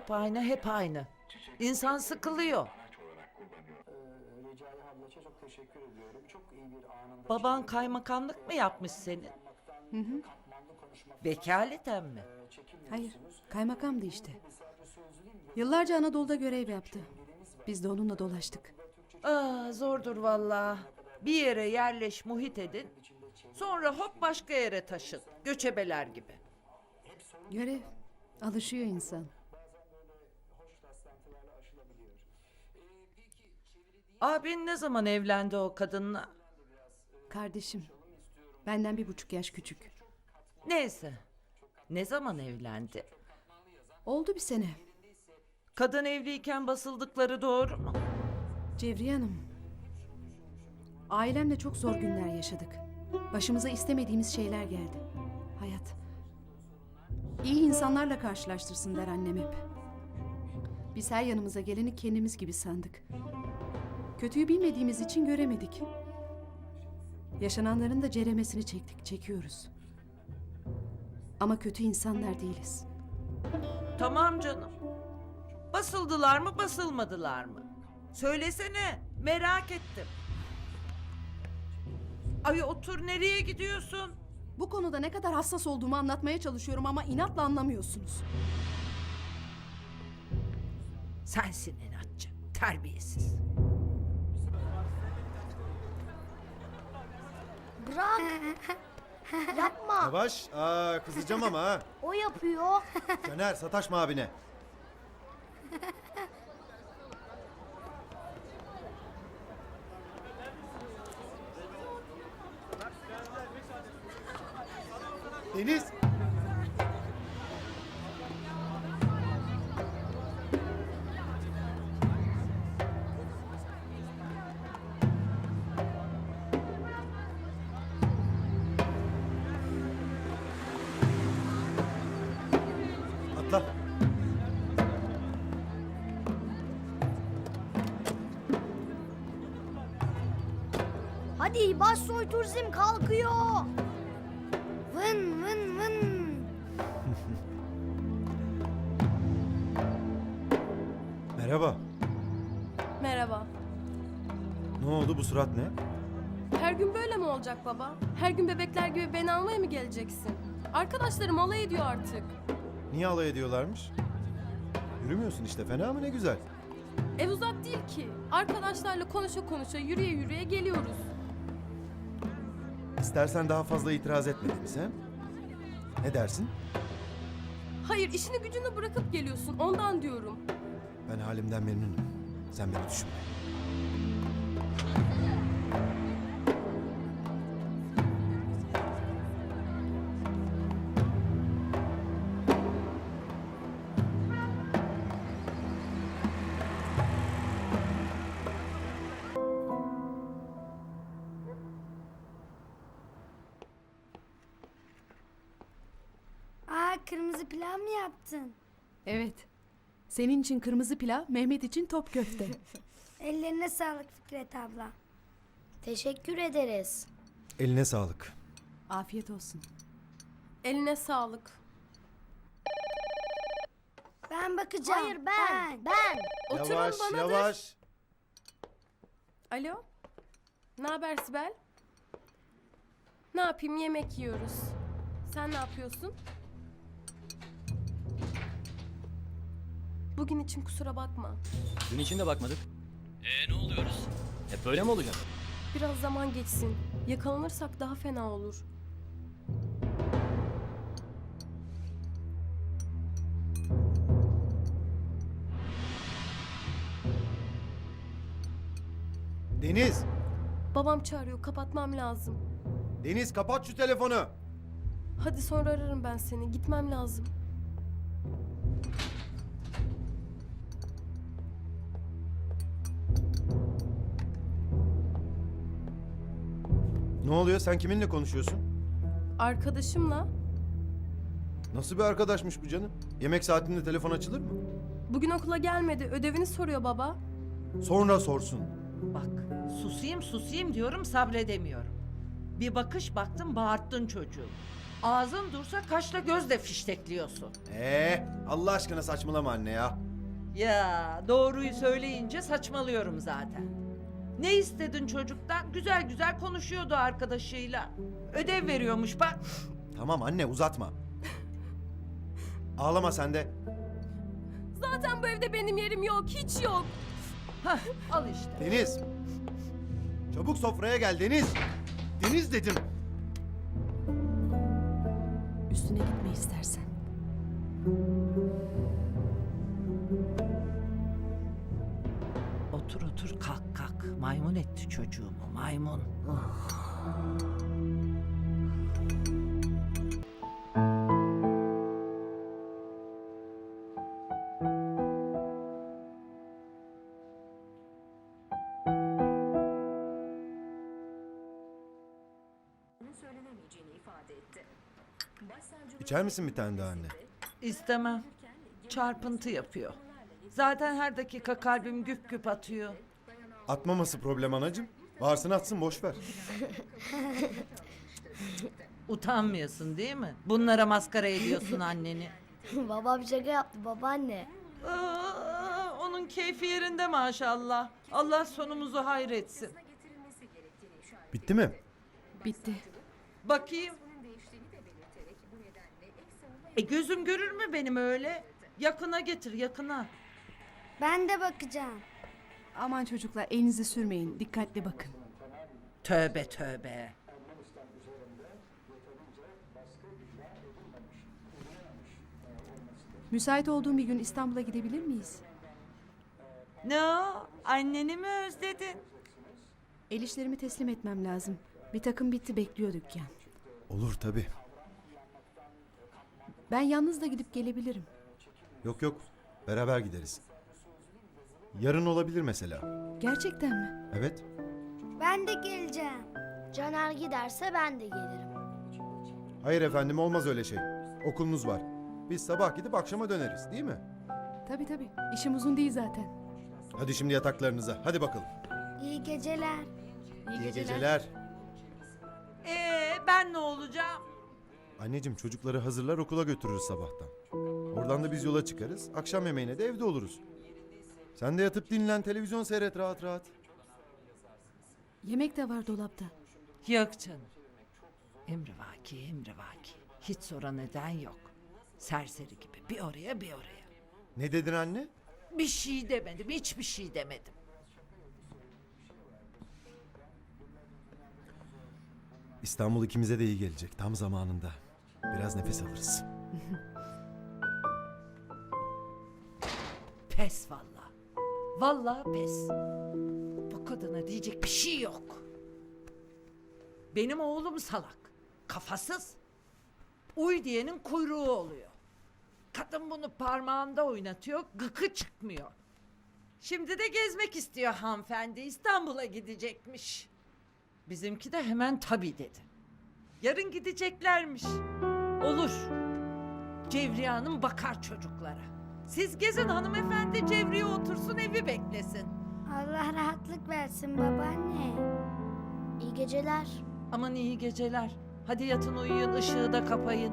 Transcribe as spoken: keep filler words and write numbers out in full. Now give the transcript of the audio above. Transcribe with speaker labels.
Speaker 1: hep aynı, hep aynı. İnsan sıkılıyor.
Speaker 2: Recai ablacığım çok teşekkür ediyorum. Çok iyi bir anında.
Speaker 1: Baban kaymakamlık mı yapmış senin?
Speaker 3: Hı hı.
Speaker 1: Vekaleten mi?
Speaker 3: Hayır, kaymakamdı işte. Yıllarca Anadolu'da görev yaptı. Biz de onunla dolaştık.
Speaker 1: Aa, zordur vallahi. Bir yere yerleş, muhit edin. Sonra hop başka yere taşın. Göçebeler gibi.
Speaker 3: Görev, alışıyor insan.
Speaker 1: Abin ne zaman evlendi o kadınla?
Speaker 3: Kardeşim, benden bir buçuk yaş küçük.
Speaker 1: Neyse. Ne zaman evlendi?
Speaker 3: Oldu bir sene.
Speaker 1: Kadın evliyken basıldıkları doğru mu?
Speaker 3: Cevriye Hanım, ailemle çok zor günler yaşadık. Başımıza istemediğimiz şeyler geldi. Hayat. İyi insanlarla karşılaştırsın der annem hep. Biz her yanımıza geleni kendimiz gibi sandık. Kötüyü bilmediğimiz için göremedik. Yaşananların da ceremesini çektik, çekiyoruz. Ama kötü insanlar değiliz.
Speaker 1: Tamam canım. Basıldılar mı, basılmadılar mı? Söylesene, merak ettim. Ay otur, nereye gidiyorsun?
Speaker 3: Bu konuda ne kadar hassas olduğumu anlatmaya çalışıyorum ama inatla anlamıyorsunuz.
Speaker 1: Sensin inatçı, terbiyesiz.
Speaker 4: Bırak. Yapma.
Speaker 5: Yavaş. Aa, kızacağım ama ha.
Speaker 4: O yapıyor.
Speaker 5: Caner sataşma abine. Deniz. Atla.
Speaker 4: Hadi Başsoy Turizm kalkıyor. Vın vın vın.
Speaker 5: Merhaba.
Speaker 6: Merhaba.
Speaker 5: Ne oldu, bu surat ne?
Speaker 6: Her gün böyle mi olacak baba? Her gün bebekler gibi beni almaya mı geleceksin? Arkadaşlarım alay ediyor artık.
Speaker 5: Niye alay ediyorlarmış? Yürümüyorsun işte, fena mı, ne güzel.
Speaker 6: Ev uzak değil ki. Arkadaşlarla konuşa konuşa yürüye yürüye geliyoruz.
Speaker 5: İstersen daha fazla itiraz etmediniz he? Ne dersin?
Speaker 6: Hayır, işini gücünü bırakıp geliyorsun, ondan diyorum.
Speaker 5: Ben halimden memnunum. Sen beni düşünme.
Speaker 4: Aa, kırmızı pilav mı yaptın?
Speaker 3: Evet. Senin için kırmızı pilav, Mehmet için top köfte.
Speaker 4: Ellerine sağlık Fikret abla. Teşekkür ederiz.
Speaker 5: Eline sağlık.
Speaker 3: Afiyet olsun.
Speaker 6: Eline sağlık.
Speaker 4: Ben bakacağım. Hayır ben. Ben.
Speaker 6: Oturun
Speaker 5: Yavaş,
Speaker 6: bana
Speaker 5: yavaş.
Speaker 6: Alo? Ne haber Sibel? Ne yapayım, yemek yiyoruz. Sen ne yapıyorsun? Bugün için kusura bakma.
Speaker 7: Dün için de bakmadık. Ee ne oluyoruz? Hep böyle mi olacak?
Speaker 6: Biraz zaman geçsin. Yakalanırsak daha fena olur.
Speaker 5: Deniz.
Speaker 6: Babam çağırıyor, kapatmam lazım.
Speaker 5: Deniz, kapat şu telefonu.
Speaker 6: Hadi sonra ararım ben seni. Gitmem lazım.
Speaker 5: Ne oluyor, sen kiminle konuşuyorsun?
Speaker 6: Arkadaşımla
Speaker 5: Nasıl bir arkadaşmış bu canım? Yemek saatinde telefon açılır mı?
Speaker 6: bugün okula gelmedi. Ödevini soruyor baba.
Speaker 5: Sonra sorsun.
Speaker 1: Bak, susayım susayım diyorum, sabredemiyorum. Bir bakış baktım, bağırttın çocuğu. Ağzın dursa kaşla gözle fiştekliyorsun.
Speaker 5: Ee, Allah aşkına saçmalama anne ya.
Speaker 1: Ya doğruyu söyleyince saçmalıyorum zaten. Ne istedin çocuktan? Güzel güzel konuşuyordu arkadaşıyla. Ödev veriyormuş bak.
Speaker 5: Tamam anne uzatma. Ağlama sen de.
Speaker 6: Zaten bu evde benim yerim yok, hiç yok.
Speaker 1: Hah, al işte.
Speaker 5: Deniz. Çabuk sofraya gel Deniz. Deniz dedim.
Speaker 3: Üstüne gitme istersen.
Speaker 1: Otur otur kalk kalk. Maymun etti çocuğumu maymun.
Speaker 5: İçer misin bir tane daha anne?
Speaker 1: İstemem. Çarpıntı yapıyor. Zaten her dakika kalbim güp güp atıyor.
Speaker 5: Atmaması problem anacığım. Varsın atsın boş ver.
Speaker 1: Utanmıyorsun değil mi? Bunlara maskara ediyorsun anneni.
Speaker 4: Babam şaka yaptı babaanne.
Speaker 1: Aa, onun keyfi yerinde maşallah. Allah sonumuzu hayretsin.
Speaker 5: Bitti mi?
Speaker 3: Bitti.
Speaker 1: Bakayım. E gözüm görür mü benim öyle? Yakına getir yakına.
Speaker 4: Ben de bakacağım.
Speaker 3: Aman çocuklar elinizi sürmeyin. Dikkatli bakın.
Speaker 1: Tövbe tövbe.
Speaker 3: Müsait olduğum bir gün İstanbul'a gidebilir miyiz?
Speaker 1: Ne o? Anneni mi özledin?
Speaker 3: El işlerimi teslim etmem lazım. Bir takım bitti bekliyor dükkan.
Speaker 5: Olur tabii.
Speaker 3: Ben yalnız da gidip gelebilirim.
Speaker 5: Yok yok. Beraber gideriz. Yarın olabilir mesela.
Speaker 3: Gerçekten mi?
Speaker 5: Evet.
Speaker 4: Ben de geleceğim. Caner giderse ben de gelirim.
Speaker 5: Hayır efendim olmaz öyle şey. Okulunuz var. Biz sabah gidip akşama döneriz değil mi?
Speaker 3: Tabii tabii. İşim uzun değil zaten.
Speaker 5: Hadi şimdi yataklarınıza. Hadi bakalım.
Speaker 4: İyi geceler.
Speaker 3: İyi,
Speaker 5: İyi geceler.
Speaker 1: Ee ben ne olacağım?
Speaker 5: Anneciğim çocukları hazırlar okula götürürüz sabahtan. Oradan da biz yola çıkarız. Akşam yemeğine de evde oluruz. Sen de yatıp dinlen, televizyon seyret rahat rahat.
Speaker 3: Yemek de var dolapta.
Speaker 1: Yok canım. Emrivaki emrivaki. Hiç sonra neden yok. Serseri gibi bir oraya bir oraya.
Speaker 5: Ne dedin anne?
Speaker 1: Bir şey demedim hiçbir şey demedim.
Speaker 5: İstanbul ikimize de iyi gelecek tam zamanında. Biraz nefes alırız.
Speaker 1: Pes valla. Valla pes. Bu kadına diyecek bir şey yok. Benim oğlum salak. Kafasız. Uy diyenin kuyruğu oluyor. Kadın bunu parmağında oynatıyor, gıkı çıkmıyor. Şimdi de gezmek istiyor hanımefendi. İstanbul'a gidecekmiş. Bizimki de hemen tabii dedi. Yarın gideceklermiş. Olur. Cevriye Hanım bakar çocuklara. Siz gezin hanımefendi, Cevriye otursun evi beklesin.
Speaker 4: Allah rahatlık versin babaanne. İyi geceler.
Speaker 1: Aman iyi geceler. Hadi yatın uyuyun, ışığı da kapayın.